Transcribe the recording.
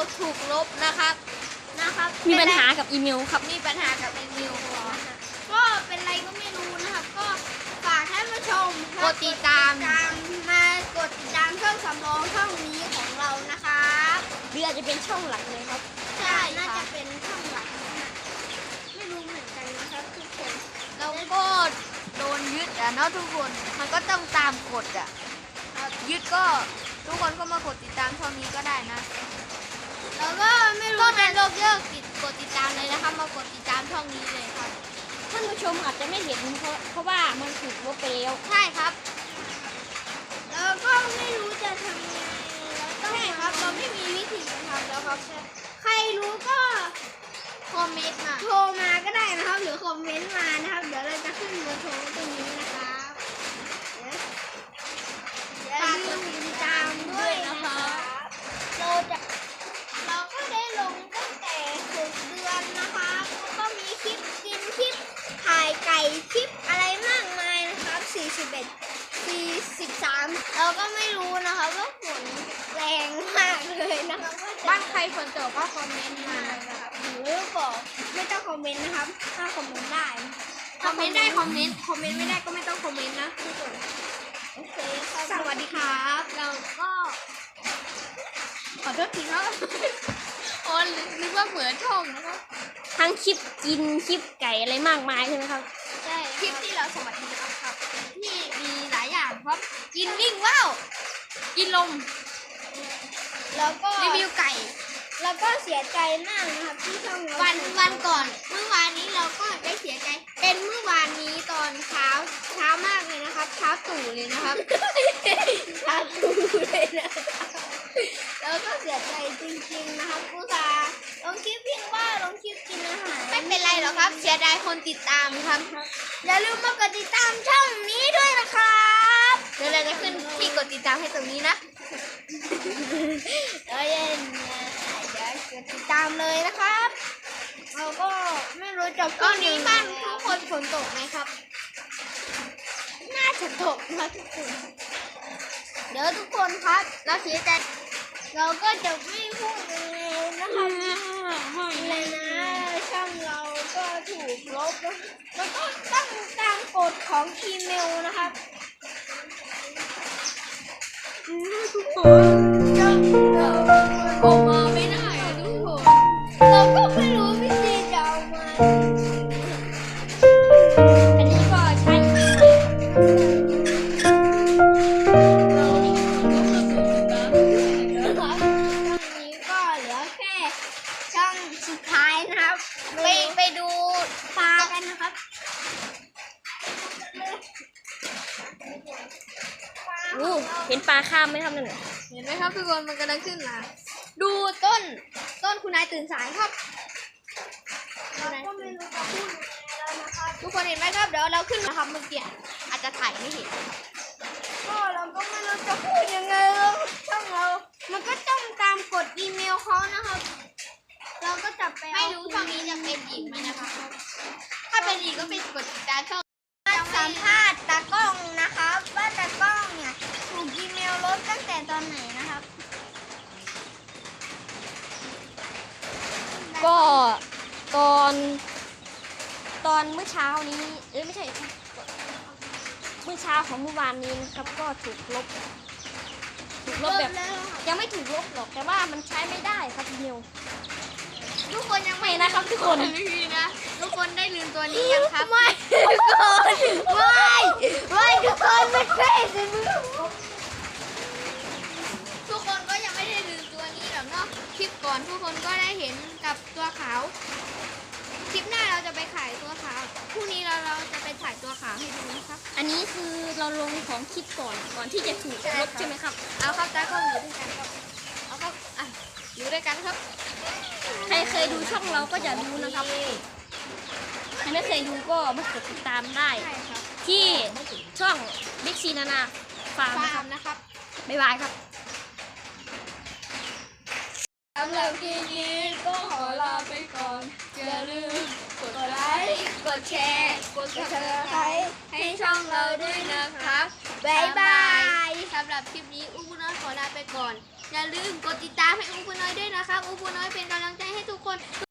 ถูกลบนะครับมีปัญหากับอีเมลครับมีปัญหากับอีเมลก็เป็นไรก็ไม่รู้นะครับก็ฝากท่านผู้ชมกดติดตามมากดติดตามช่องสำรองช่องนี้ของเรานะครับหรืออาจจะเป็นช่องหลักเลยครับใช่น่าจะเป็นช่องหลักไม่รู้เหมือนกันนะครับทุกคนเราก็โดนยึดเนาะทุกคนมันก็ต้องตามกฎยึดก็ทุกคนก็มากดติดตามช่องนี้ก็ได้นะแล้วก็ไม่รู้ก็เป็นโลกเลิกกดติดตามเลยนะคะมากดติดตามช่องนี้เลยครับท่านผู้ชมอาจจะไม่เห็นเพราะว่ามันถูกลบไปแล้วใช่ครับแล้วก็ไม่รู้จะทำยังไงแล้วใช่ครับเราไม่มีวิธีจะทำแล้วครับใครรู้ก็คอมเมนต์มาโทรมาก็ได้นะครับหรือคอมเมนต์มานะครับเดี๋ยวเราจะขึ้นเบอร์โทรตรงนี้นะครับฝากกดติดตามด้วยนะครับเราก็ได้ลงตั้งแต่6 เดือนนะคะแล้วก็มีคลิปกินคลิปถ่ายไก่คลิปอะไรมากมายนะครับ43เราก็ไม่รู้นะคะว่าฝนแรงมากเลยนะคะบ้านใครฝนตกก็คอมเมนต์มานะครับหรือบอกไม่ต้องคอมเมนต์นะครับถ้าคอมเมนต์ได้คอมเมนต์ได้คอมเมนต์ไม่ได้ก็ไม่ต้องคอมเมนต์นะทุกคนโอเคสวัสดีครับเราก็ขอโทษทีครับอ๋อนึกว่าเหมือนช่องนะครับทั้งคลิปกินคลิปไก่อะไรมากมายใช่ไหมครับใช่คลิปที่เราสวัสดีครับที่มีหลายอย่างครับกินวิ่งว่าวกินลมแล้วก็รีวิวไก่แล้วก็เสียใจมากนะครับที่ช่องวันก่อนเมื่อวานนี้เราก็ได้เสียใจเป็นเมื่อวานนี้ตอนเช้ามากเลยนะครับเช้าตู่เลยนะครับเช้าตู่เลยนะแล้วก็เสียใจจริงๆนะครับผู้ชาลงคลิปวิ่งว่าวลงคลิปกินอาหารไม่เป็นไรหรอกครับเสียดายคนติดตามครับอย่าลืมมากดติดตามช่องนี้ด้วยนะครับเดี๋ยวเราจะขึ้นที่กดติดตามให้ตรงนี้นะเดี๋ยวกดติดตามเลยนะครับเราก็ไม่รู้จะตอนนี้บ้านทุกคนฝนตกไหมครับน่าจะตกนะทุกคนเดี๋ยวทุกคนครับเราเสียใจเราก็จะไม่พูดเลยนะคะเลยนะช่องเราก็ถูกลบแล้วก็ตั้งตามกฎของอีเมลนะครับทุกคนเราออกมาไม่ได้ทุกคนเราก็ไม่รู้วิธีจะเอามาอันนี้ก็ใช้อีเมลสุดท้ายนะครับไปดูปลากันนะครับเห็นปลาข้ามไหมครับนั่นเห็นไหมครับทุกคนมันกำลังขึ้นมาดูต้นคุณนายตื่นสายครับทุกคนเห็นไหมครับเดี๋ยวเราขึ้นนะครับเมื่อกี้อาจจะถ่ายไม่เห็นก็เราก็ไม่รู้จะพูดยังไงแล้วช่องเรามันก็ต้องตามกฎอีเมลเขานะครับเราก็จะไปไม่รู้ช่องนี้จะเป็นอีกไหมนะคะถ้าเป็นอีกก็เป็นกดติดตามช่องสัมภาษณ์ตากล้องนะครับว่าตากล้องเนี่ยถูกอีเมลลบตั้งแต่ตอนไหนนะครับก็ตอนเมื่อเช้านี้ไม่ใช่เมื่อเช้าของเมื่อวานนี้นะครับก็ถูกลบแบบยังไม่ถูกลบหรอกแต่ว่ามันใช้ไม่ได้ครับอีเมลทุกคนยังไม่นะครับทุกคนนะทุกคนได้ลืมตัวนี้ยังครับไม่ทุกคนไม่ทุกคนไม่ใช่ทุกคนก็ยังไม่ได้ลืมตัวนี้หรอกเนาะคลิปก่อนทุกคนก็ได้เห็นกับตัวขาวคลิปหน้าเราจะไปขายตัวขาวพรุ่งนี้เราจะไปถ่ายตัวขาวให้ดูนะครับอันนี้คือเราลงของคลิปก่อนที่จะถูกลบใช่ไหมครับเอาครับตาเข้าอยู่ด้วยกันครับเอาครับอยู่ด้วยกันครับใครเคยดูช่องเราก็จะรู้นะครับใครไม่เคยดูก็มากดติดตามได้ที่ช่องบิ๊กซีนานาฟาร์มนะครับบ๊ายบายครับสำหรับคลิปนี้ก็ขอลาไปก่อนอย่าลืมกดไลค์กดแชร์กด Subscribe ให้ช่องเราด้วยนะครับบ๊ายบายสำหรับคลิปนี้อุ้มน้อยขอลาไปก่อน อย่าลืมกดติดตามให้อูปูน้อยด้วยนะครับอูปูน้อยเป็นกำลังใจให้ทุกคน